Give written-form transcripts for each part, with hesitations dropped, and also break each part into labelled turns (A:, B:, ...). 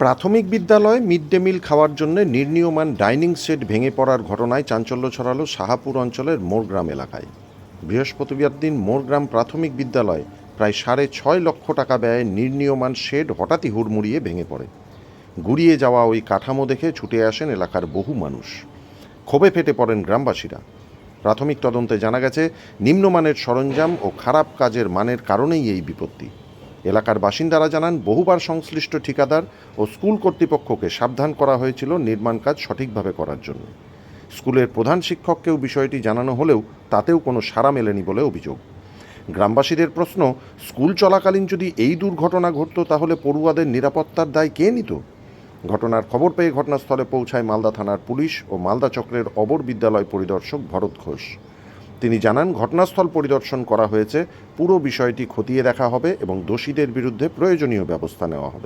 A: প্রাথমিক বিদ্যালয়ে mid day meal খাওয়ার জন্য নির্মীয়মান ডাইনিং সেট ভেঙে পড়ার ঘটনায় চাঞ্চল্য ছড়ালো শাহাপুর অঞ্চলের মোরগ্রাম এলাকায়। বৃহস্পতিবার দিন মোরগ্রাম প্রাথমিক বিদ্যালয়ে প্রায় 6.5 লক্ষ টাকা ব্যয়ে নির্মীয়মান শেড হঠাৎই হুড়মুড়িয়ে ভেঙে পড়ে। গুড়িয়ে যাওয়া ওই কাঠামো দেখে ছুটে আসেন এলাকার বহু মানুষ। ক্ষোভে ফেটে পড়েন গ্রামবাসীরা। প্রাথমিক তদন্তে জানা গেছে, নিম্নমানের সরঞ্জাম ও খারাপ কাজের মানের কারণেই এই বিপত্তি। এলাকার বাসিন্দারা জানান, বহুবার সংশ্লিষ্ট ঠিকাদার ও স্কুল কর্তৃপক্ষকে সাবধান করা হয়েছিল নির্মাণ কাজ সঠিকভাবে করার জন্য। স্কুলের প্রধান শিক্ষককেও বিষয়টি জানানো হলেও তাতেও কোনো সাড়া মেলেনি বলে অভিযোগ। গ্রামবাসীদের প্রশ্ন, স্কুল চলাকালীন যদি এই দুর্ঘটনা ঘটত তাহলে পড়ুয়াদের নিরাপত্তার দায় কে নিত? ঘটনার খবর পেয়ে ঘটনাস্থলে পৌঁছায় মালদা থানার পুলিশ ও মালদা চক্রের অবর বিদ্যালয় পরিদর্শক ভরত ঘোষ। তিনি জানান, ঘটনাস্থল পরিদর্শন করা হয়েছে, পুরো বিষয়টি খতিয়ে দেখা হবে এবং দোষীদের বিরুদ্ধে প্রয়োজনীয় ব্যবস্থা নেওয়া হবে।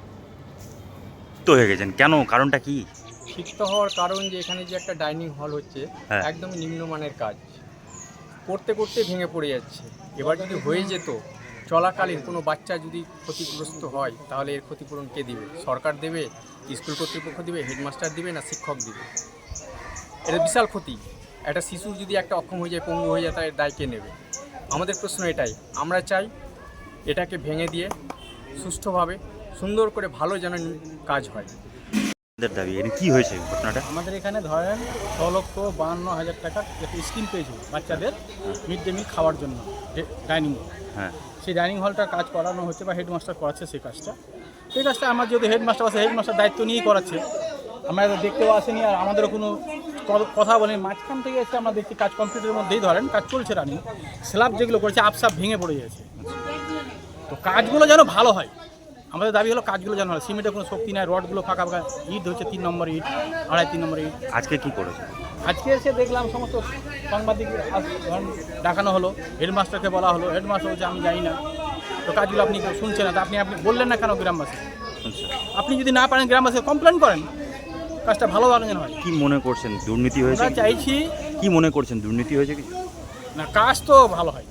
B: তো হয়ে গেছেন কেন, কারণটা কি?
C: ক্ষিপ্ত হওয়ার কারণ যে এখানে যে একটা ডাইনিং হল হচ্ছে, একদমই নিম্নমানের কাজ করতে করতে ভেঙে পড়ে যাচ্ছে। এবার যদি হয়ে যেত চলাকালীন কোনো বাচ্চা যদি ক্ষতিগ্রস্ত হয় তাহলে এর ক্ষতিপূরণ কে দিবে? সরকার দেবে, স্কুল কর্তৃপক্ষ দিবে, হেডমাস্টার দিবে, না শিক্ষক দিবে? এটা বিশাল ক্ষতি। একটা শিশু যদি একটা অক্ষম হয়ে যায়, পঙ্গু হয়ে যায়, তার দায় কে নেবে? আমাদের প্রশ্ন এটাই। আমরা চাই এটাকে ভেঙে দিয়ে সুষ্ঠুভাবে সুন্দর করে ভালো যেন কাজ হয়।
B: দাবি কি হয়েছে ঘটনাটা?
D: আমাদের এখানে ধরেন 6,52,000 টাকার একটা স্কিম পেয়েছিল বাচ্চাদের মিড ডে মিল খাওয়ার জন্য, ডাইনিং হল।
B: হ্যাঁ,
D: সেই ডাইনিং হলটার কাজ করানো হচ্ছে বা হেডমাস্টার করাচ্ছে সেই কাজটা আমার যদি হেডমাস্টার আছে, হেডমাস্টার দায়িত্ব নিয়েই করাচ্ছে। আমরা দেখতেও আসেনি আর আমাদেরও কোনো কথা বলেনি। মাঝখান থেকে এসে আমরা দেখছি কাজ কমপ্লিটের মধ্যেই ধরেন কাজ চলছে, রানিং স্ল্যাব যেগুলো করেছে আপসাপ ভেঙে পড়ে গেছে। তো কাজগুলো যেন ভালো হয়, আমাদের দাবি হলো কাজগুলো যেন হয়। সিমেন্টের কোনো শক্তি নাই, রডগুলো ফাঁকা ফাঁকা, ইট হচ্ছে 3 নম্বর ইট, 3.5 নম্বর ইট।
B: আজকে কি করেছে?
D: আজকে এসে দেখলাম সমস্ত সাংবাদিক দেখানো হলো, হেডমাস্টারকে বলা হলো, হেডমাস্টার বলছে আমি জানি না। তো কাজগুলো আপনি শুনছেন না, তো আপনি বললেন না কেন গ্রামবাসী? আপনি যদি না পারেন গ্রামবাসী কমপ্লেন করেন, কাজটা ভালো যেন হয়।
B: কি মনে করছেন, দুর্নীতি হয়েছে?
D: আমরা চাইছি,
B: কি মনে করছেন, দুর্নীতি হয়েছে কিছু?
D: না, কাজ তো ভালো হয়।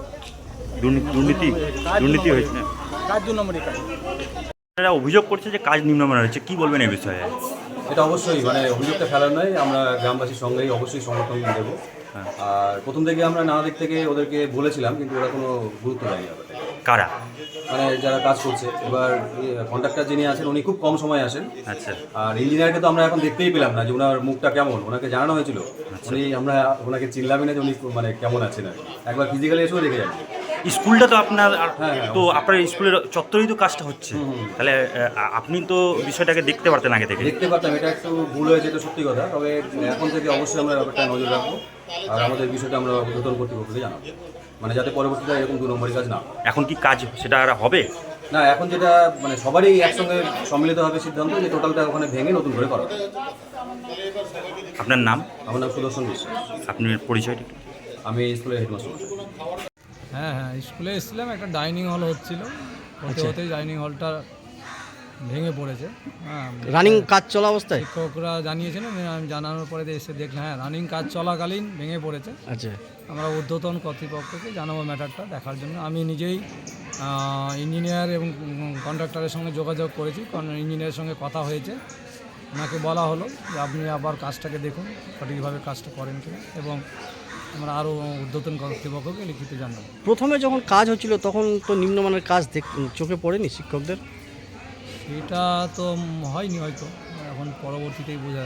B: দুর্নীতি হয়েছে না,
D: কাজ 2 নম্বরই কাজ।
B: তারা অভিযোগ করছে যে কাজ নিম্নমানের হচ্ছে, কি বলবেন এই বিষয়ে?
E: এটা অবশ্যই অভিযোগটা ফেলার নয়, আমরা গ্রামবাসীর সঙ্গেই অবশ্যই সমর্থন দেবো। আর প্রথম থেকে আমরা নানা দিক থেকে ওদেরকে বলেছিলাম, কিন্তু ওরা কোনো গুরুত্ব দেয়নি ব্যাপারটা।
B: কারা?
E: যারা কাজ করছে। এবার কন্ট্রাক্টর যিনি আছেন উনি খুব কম সময় আসেন।
B: আচ্ছা।
E: আর ইঞ্জিনিয়ারকে তো আমরা এখন দেখতেই পেলাম না যে ওনার মুখটা কেমন। ওনাকে জানানো হয়েছিল, আমরা ওনাকে চিনলামই না যে উনি কেমন আছেন। আর একবার ফিজিক্যালি এসেও দেখে যান।
B: স্কুলটা তো আপনার,
E: হ্যাঁ,
B: তো আপনার স্কুলের চত্বরেই তো কাজটা হচ্ছে, তাহলে আপনি তো বিষয়টাকে দেখতে পারতেন আগে থেকে।
E: দেখতে পারতাম, এটা একটু ভুল হয়েছে, এটা সত্যি কথা। তবে এখন থেকে অবশ্যই আমরা ব্যাপারটা নজর রাখবো আর আমাদের বিষয়টা আমরা নতুন কর্তৃপক্ষকে জানাবো, যাতে পরবর্তীতে এরকম 2 নম্বরই কাজ না।
B: এখন কি কাজ সেটা আর হবে
E: না? এখন যেটা সবারই একসঙ্গে সম্মিলিতভাবে সিদ্ধান্ত যে টোটালটা ওখানে ভেঙে নতুন করে করা।
B: আপনার নাম?
E: আমার নাম সুদর্শন বিশ্বাস।
B: আপনার পরিচয়টা?
E: আমি স্কুলের হেডমাস্টার।
F: হ্যাঁ, স্কুলে এসেছিলাম, একটা ডাইনিং হল হচ্ছিল, হতেই ডাইনিং হলটা ভেঙে পড়েছে।
G: রানিং কাজ চলা অবস্থায়
F: শিক্ষকরা জানিয়েছিলেন, আমি জানানোর পরে এসে দেখলাম রানিং কাজ চলাকালীন ভেঙে পড়েছে।
G: আচ্ছা,
F: আমরা ঊর্ধ্বতন কর্তৃপক্ষকে জানাবো ম্যাটারটা দেখার জন্য। আমি নিজেই ইঞ্জিনিয়ার এবং কন্ট্রাক্টরের সঙ্গে যোগাযোগ করেছি, কারণ ইঞ্জিনিয়ারের সঙ্গে কথা হয়েছে। ওনাকে বলা হলো যে আপনি আবার কাজটাকে দেখুন সঠিকভাবে কাজটা করেন কিনা, এবং আমরা আরও ঊর্ধ্বতন কর্তৃপক্ষকে লিখিত জানাবো।
G: প্রথমে যখন কাজ হচ্ছিল তখন তো নিম্নমানের কাজ চোখে পড়েনি শিক্ষকদের?
F: এটা তো হয়নি হয়তো, এখন পরবর্তীতেই বোঝা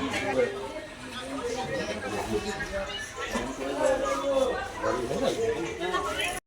F: যাচ্ছে।